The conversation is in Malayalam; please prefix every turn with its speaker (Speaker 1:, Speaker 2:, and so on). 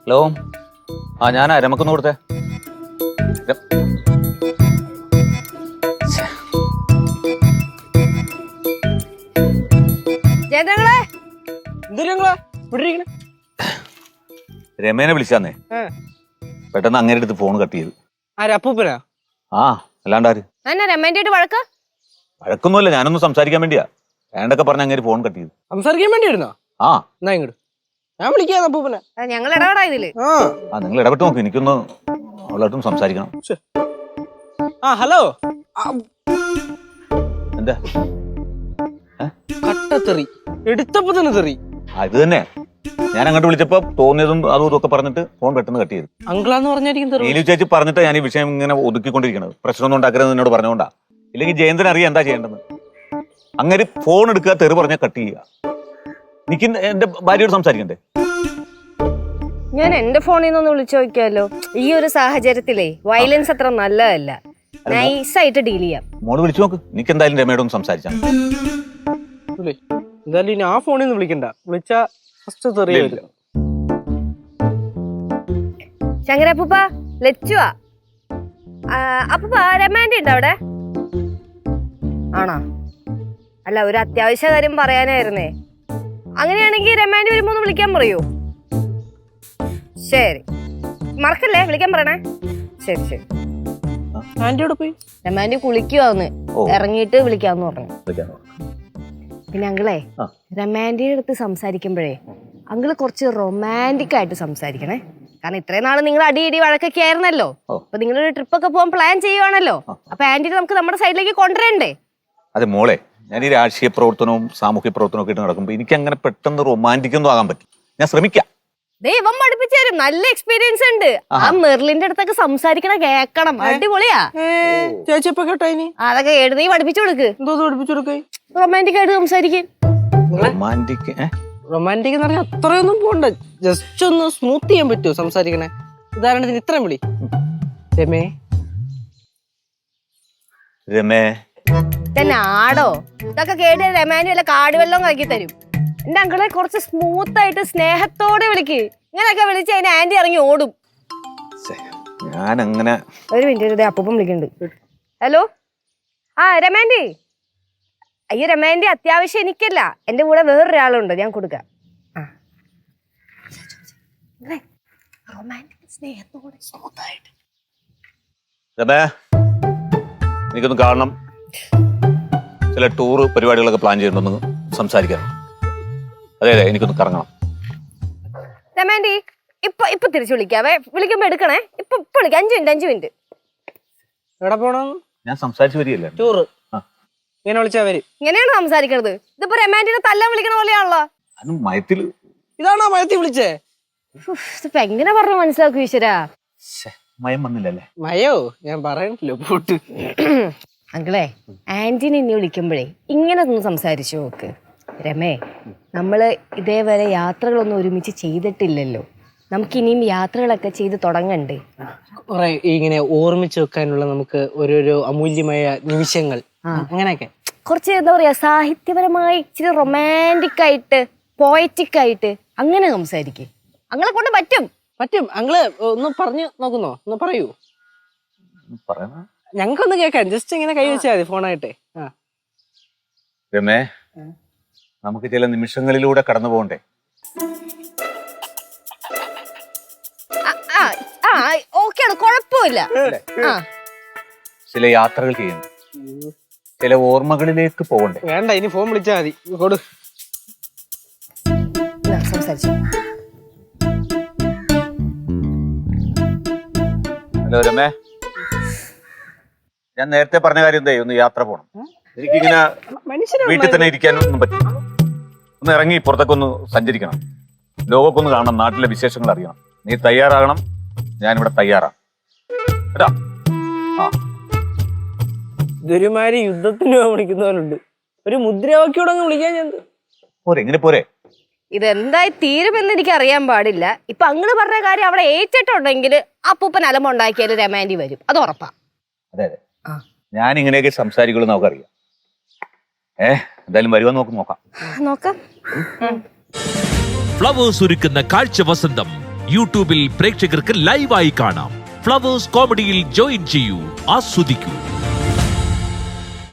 Speaker 1: ഹലോ, ആ ഞാനാ രമക്കൊന്ന് കൊടുത്തേ. രമേനെ വിളിച്ചാന്നേ, പെട്ടെന്ന് അങ്ങനെ അടുത്ത് ഫോൺ കട്ട് ചെയ്ത്.
Speaker 2: അപ്പൂപ്പനാ?
Speaker 1: ആ, അല്ലാണ്ടാര്? വഴക്കൊന്നുമല്ല, ഞാനൊന്ന് സംസാരിക്കാൻ വേണ്ടിയാ. വേണ്ടൊക്കെ പറഞ്ഞ അങ്ങനെ ഫോൺ കട്ട് ചെയ്ത്.
Speaker 2: സംസാരിക്കാൻ വേണ്ടിയായിരുന്നോ?
Speaker 1: ആ,
Speaker 2: എന്നാ ഇങ്ങോട്ട് ഞാൻ വിളിക്കാം അപ്പൂപ്പനെ.
Speaker 3: ഞങ്ങൾ ഇടപെടാ ഇതില്.
Speaker 1: ആ നിങ്ങൾ ഇടപെട്ട് നോക്ക്, എനിക്കൊന്ന് അവളായിട്ടും സംസാരിക്കണം.
Speaker 2: ഹലോ.
Speaker 1: എന്താ
Speaker 2: കട്ടത്തെറി എടുത്തപ്പോ തന്നെ തെറി.
Speaker 1: ഇത് തന്നെ ഞാൻ അങ്ങോട്ട് വിളിച്ചപ്പോ തോന്നിയതും അതും ഇതൊക്കെ പറഞ്ഞിട്ട് ഫോൺ പെട്ടെന്ന് കട്ട് ചെയ്തു.
Speaker 2: അങ്കിളാന്ന് പറഞ്ഞായിരിക്കും തെറി.
Speaker 1: നീലു ചേച്ചി പറഞ്ഞിട്ട് ഞാൻ ഈ വിഷയം ഇങ്ങനെ ഒതുക്കിക്കൊണ്ടിരിക്കണത്. പ്രശ്നമൊന്നും ഉണ്ടാക്കരുത് എന്നോട് പറഞ്ഞുകൊണ്ടാ. ഇല്ലെങ്കിൽ ജയന്തൻ അറിയാം എന്താ ചെയ്യേണ്ടത്. അങ്ങനെ ഫോൺ എടുക്കുക, തെറി പറഞ്ഞാൽ കട്ട് ചെയ്യുക. എനിക്ക് എന്റെ ഭാര്യയോട് സംസാരിക്കണ്ടേ?
Speaker 3: ഞാൻ എന്റെ ഫോണിൽ നിന്ന് വിളിച്ചു നോക്കിയാലോ. ഈ ഒരു സാഹചര്യത്തിലേ വയലൻസ് അത്ര നല്ലതല്ല. നൈസായിട്ട് ഡീൽ ചെയ്യാം.
Speaker 1: മോള് വിളിച്ചു നോക്ക്. എനിക്ക് എന്തായാലും രമയോടൊന്ന് സംസാരിച്ചാൽ.
Speaker 2: എന്തായാലും ഇനി ആ ഫോണിൽ നിന്ന് വിളിക്കണ്ട. വിളിച്ചാ ഫസ്റ്റ് തെറി വരും.
Speaker 3: ശങ്കരപ്പൂപ്പ, ലച്ചുവാ. അപ്പൂപ്പ രമാൻഡി ഉണ്ടോ അവിടെ? ആണോ? അല്ല, ഒരു അത്യാവശ്യ കാര്യം പറയാനായിരുന്നേ. അങ്ങനെയാണെങ്കിൽ രമാൻഡി വരുമ്പോ ഒന്ന് വിളിക്കാൻ പറയൂ. ശരി, മറക്കല്ലേ, വിളിക്കാൻ പറയണേ. ശരി ശരി.
Speaker 2: ആന്റിയോട് പോയി
Speaker 3: രമാൻഡി കുളിക്കുവാന്ന്, ഇറങ്ങിയിട്ട് വിളിക്കാന്ന് പറഞ്ഞു. പിന്നെ അങ്കിളെ, രമാൻഡിയുടെ അടുത്ത് സംസാരിക്കുമ്പോഴേ അങ്കിള് കുറച്ച് റൊമാൻറ്റിക് ആയിട്ട് സംസാരിക്കണേ. കാരണം ഇത്രയും നാള് നിങ്ങൾ അടിയിടി വഴക്കൊക്കെ ആയിരുന്നല്ലോ. അപ്പൊ നിങ്ങളൊരു ട്രിപ്പൊക്കെ പോകാൻ പ്ലാൻ ചെയ്യുവാണല്ലോ. അപ്പൊ ആന്റിനെ നമുക്ക് നമ്മുടെ സൈഡിലേക്ക് കൊണ്ടുവരണ്ടേ?
Speaker 1: അതെ മോളെ, ഞാൻ ഈ രാഷ്ട്രീയ പ്രവർത്തനവും സാമൂഹ്യ പ്രവർത്തനവും ഒക്കെ ഇട്ട് നടക്കുമ്പോൾ എനിക്ക് അങ്ങനെ പെട്ടെന്ന് റൊമാൻറ്റിക് ഒന്നും ആകാൻ പറ്റും. ഞാൻ ശ്രമിക്കാം.
Speaker 3: ദൈവം പഠിപ്പിച്ചു തരും. നല്ല എക്സ്പീരിയൻസ് ഉണ്ട്. ആ മെർലിന്റെ അടുത്തൊക്കെ സംസാരിക്കണ കേക്കണം. അടിപൊളിയാ.
Speaker 2: ചേച്ചിയപ്പോ കേട്ടോ ഇനി
Speaker 3: അതൊക്കെ എഴുതി പഠിപ്പിച്ചു കൊടുക്ക്.
Speaker 2: എന്തോ പഠിപ്പിച്ചു കൊടുക്കേ?
Speaker 3: റൊമാൻറ്റിക് ആയിട്ട് സംസാരിക്കും.
Speaker 2: റൊമാൻറ്റിക് എന്ന് പറഞ്ഞാൽ അത്രയൊന്നും പോണ്ട. ജസ്റ്റ് ഒന്ന് സ്മൂത്ത് ചെയ്യാൻ പറ്റുമോ സംസാരിക്കണേ? ഉദാഹരണത്തിന് ഇത്രയും വിളി. രമേ.
Speaker 1: രമേ
Speaker 3: തന്നെ ആടോ? ഇതൊക്കെ കേട്ട് രമാൻഡി വല്ല കാടുവെള്ളം ആക്കി തരും. എന്റെ അങ്കിളെ കുറച്ച് സ്മൂത്ത് ആയിട്ട് സ്നേഹത്തോടെ വിളിക്ക്. ഇങ്ങനെയൊക്കെ വിളിച്ച് അതിന് ആന്റി ഇറങ്ങി ഓടും.
Speaker 1: ഞാൻ അങ്ങനെ
Speaker 3: ഒരു മിനിറ്റ്, അപ്പൂപ്പൻ വിളിക്കുന്നുണ്ട്. ഹലോ, ആ രമാൻഡി. അയ്യോ രമാൻഡി, അത്യാവശ്യം എനിക്കല്ല, എന്റെ കൂടെ വേറൊരാളുണ്ട്, ഞാൻ കൊടുക്കാം. സ്നേഹത്തോടെ സ്മൂത്തായിട്ട്.
Speaker 1: രമേ, എനിക്കൊന്ന് കാണണം. ചില ടൂറ് പരിപാടികളൊക്കെ പ്ലാൻ ചെയ്യുന്നുണ്ടെന്ന് സംസാരിക്കണം. അതെ അതെ, എനിക്കൊന്ന് കറങ്ങണം.
Speaker 3: രമാൻഡി, ഇപ്പൊ തിരിച്ചു വിളിക്കാവേ. വിളിക്കുമ്പോ എടുക്കണേ. ഇപ്പൊ വിളിക്കാം. 5 മിനിറ്റ്.
Speaker 2: എവിടെ പോണം?
Speaker 1: ഞാൻ സംസാരിച്ചു വരികയല്ലേ.
Speaker 2: ടൂറ് ഇങ്ങനെ വിളിച്ചാ വരും.
Speaker 3: ഇങ്ങനെയാണ് സംസാരിക്കണത്. ഇതിപ്പോ രമാൻഡിനെ തല്ലാൻ വിളിക്കണ പോലെയാണല്ലോ.
Speaker 1: മയത്തില്
Speaker 2: ഇതാണോ മയത്തിൽ വിളിച്ചേ?
Speaker 3: ഇതിപ്പോ എങ്ങനെ പറഞ്ഞു മനസ്സിലാക്കും ഈശ്വരാ?
Speaker 1: മയം വന്നില്ലല്ലേ?
Speaker 2: മയോ ഞാൻ പറയണല്ലോ പോട്ട്.
Speaker 3: അങ്കിളെ, ആന്റിനെ ഇനി വിളിക്കുമ്പോഴേ ഇങ്ങനെ ഒന്ന് സംസാരിച്ചു നോക്ക്. രമേ, നമ്മള് ഇതേവരെ യാത്രകളൊന്നും ഒരുമിച്ച് ചെയ്തിട്ടില്ലല്ലോ. നമുക്കിനിയും യാത്രകളൊക്കെ ചെയ്ത് തുടങ്ങണ്ടേ?
Speaker 2: കുറെ ഇങ്ങനെ ഓർമ്മിച്ച് വെക്കാനുള്ള നമുക്ക് ഓരോരോ അമൂല്യമായ നിമിഷങ്ങൾ, അങ്ങനെയൊക്കെ
Speaker 3: കുറച്ച് എന്താ പറയാ, സാഹിത്യപരമായി ഇച്ചിരി റൊമാൻറ്റിക് ആയിട്ട് പോയറ്റിക് ആയിട്ട് അങ്ങനെ സംസാരിക്കും. അങ്ങളെ കൊണ്ട് പറ്റും.
Speaker 2: പറ്റും. അങ്ങള് ഒന്ന് പറഞ്ഞു നോക്കുന്നോ? ഒന്ന് പറയൂ. ഞങ്ങൾക്കൊന്ന് കേൾക്കാൻ. ജസ്റ്റ് ഇങ്ങനെ കൈ വെച്ചാൽ മതി ഫോണായിട്ട്.
Speaker 1: രമേ, നമുക്ക് ചില നിമിഷങ്ങളിലൂടെ കടന്നു പോകണ്ടേ?
Speaker 3: ഓക്കെയാണ്, കുഴപ്പമില്ല.
Speaker 1: ചില യാത്രകൾ ചെയ്യണം, ചില ഓർമ്മകളിലേക്ക് പോകണ്ടേ?
Speaker 2: വേണ്ട, ഇനി ഫോൺ വിളിച്ചാൽ മതി. കൊടു.
Speaker 3: സംസാരിച്ചു.
Speaker 1: ഹലോ രമേ, ഞാൻ നേരത്തെ പറഞ്ഞ കാര്യം എന്തായി? ഒന്ന് യാത്ര പോകണം. എനിക്കിങ്ങനെ വീട്ടിൽ തന്നെ ഇരിക്കാനൊന്നും പറ്റില്ല. ഒന്ന് ഇറങ്ങി പുറത്തൊക്കെ ഒന്ന് സഞ്ചരിക്കണം. ലോകമൊക്കെ ഒന്ന് കാണണം, നാട്ടിലെ വിശേഷങ്ങൾ അറിയണം. നീ തയ്യാറാകണം, ഞാനിവിടെ തയ്യാറാണ് കേട്ടാ.
Speaker 2: ഇതൊരുമാതിരി യുദ്ധത്തിന് വിളിക്കുന്നവരുണ്ട്. ഒരു മുദ്രാവാക്യോടെ വിളിക്കാൻ ഞാൻ
Speaker 1: പോരെ. എങ്ങനെ പോരെ?
Speaker 3: ഇതെന്തായി തീരുമെന്ന് എനിക്ക് അറിയാൻ പാടില്ല. ഇപ്പൊ അങ്ങള് പറഞ്ഞ കാര്യം അവിടെ ഏറ്റിട്ടുണ്ടെങ്കിൽ അപ്പൂപ്പൻ അലമുണ്ടാക്കിയാലും രമാൻഡി വരും, അത് ഉറപ്പാ.
Speaker 1: അതെ അതെ, ഞാൻ ഇങ്ങനെയൊക്കെ സംസാരിക്കുള്ളൂ നമുക്കറിയാം. എന്തായാലും വരുവാൻ നോക്കാം.
Speaker 3: നോക്കാം.
Speaker 4: ഫ്ലവേഴ്സ് ഒരുക്കുന്ന കാഴ്ച വസന്തം യൂട്യൂബിൽ പ്രേക്ഷകർക്ക് ലൈവായി കാണാം. ഫ്ലവേഴ്സ് കോമഡിയിൽ ജോയിൻ ചെയ്യൂ, ആസ്വദിക്കൂ.